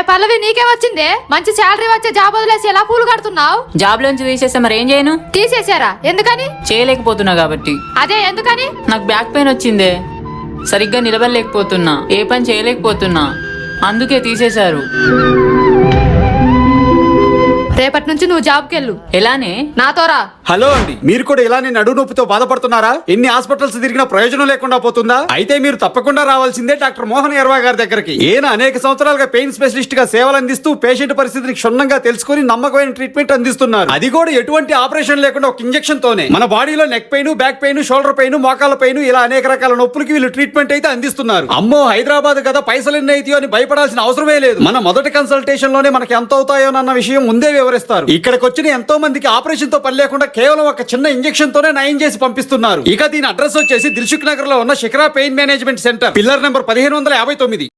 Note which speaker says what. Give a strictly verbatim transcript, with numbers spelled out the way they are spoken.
Speaker 1: పల్లవి నీకే వచ్చిందే మంచి శాలరీ వచ్చే జాబ్ వదిలేసి ఎలా పూలు కడుతున్నావు?
Speaker 2: జాబ్ లోంచి తీసేస్తే మరి ఏం చేయను?
Speaker 1: తీసేసారా? ఎందుకని?
Speaker 2: చేయలేకపోతున్నా కాబట్టి.
Speaker 1: అదే ఎందుకని?
Speaker 2: నాకు బ్యాక్ పెయిన్ వచ్చిందే, సరిగ్గా నిలబడలేకపోతున్నా, ఏ పని చేయలేకపోతున్నా, అందుకే తీసేశారు.
Speaker 1: రేపటి నుంచి నువ్వు జాబ్కి వెళ్ళు.
Speaker 2: ఎలానే?
Speaker 1: నాతోరా.
Speaker 3: హలో అండి, మీరు కూడా ఇలానే నడు నొప్పితో బాధపడుతున్నారా? ఎన్ని హాస్పిటల్స్ తిరిగినా ప్రయోజనం లేకుండా పోతుందా? అయితే మీరు తప్పకుండా రావాల్సిందే డాక్టర్ మోహన్ ఎర్వా గారి దగ్గరికి. ఈయన అనేక సంవత్సరాలుగా పెయిన్ స్పెషలిస్ట్ గా సేవలు అందిస్తూ పేషెంట్ పరిస్థితిని క్షుణ్ణంగా తెలుసుకుని నమ్మకమైన ట్రీట్మెంట్ అందిస్తున్నారు. అది కూడా ఎటువంటి ఆపరేషన్ లేకుండా ఒక ఇంజెక్షన్ తోనే. మన బాడీలో neck pain, back pain, shoulder pain, మోకాల పెయిన్ ఇలా అనేక రకాల నొప్పులకి వీళ్ళు ట్రీట్మెంట్ అయితే అందిస్తున్నారు. అమ్మో హైదరాబాద్ కదా పైసలు ఎన్ని అవుతాయో అని భయపడాల్సిన అవసరమే లేదు. మన మొదటి కన్సల్టేషన్ లోనే మనకి ఎంత అవుతాయోనన్న విషయం ముందే వివరిస్తారు. ఇక్కడికి వచ్చిన ఎంతో మందికి ఆపరేషన్ తో పని లేకుండా కేవలం ఒక చిన్న ఇంజెక్షన్ తోనే నయం చేసి పంపిస్తున్నారు. ఇక దీని అడ్రస్ వచ్చేసి దిల్సుఖ్ నగర్ లో ఉన్న Shikhara pain management centre, pillar number పదిహేను వందల యాభై తొమ్మిది.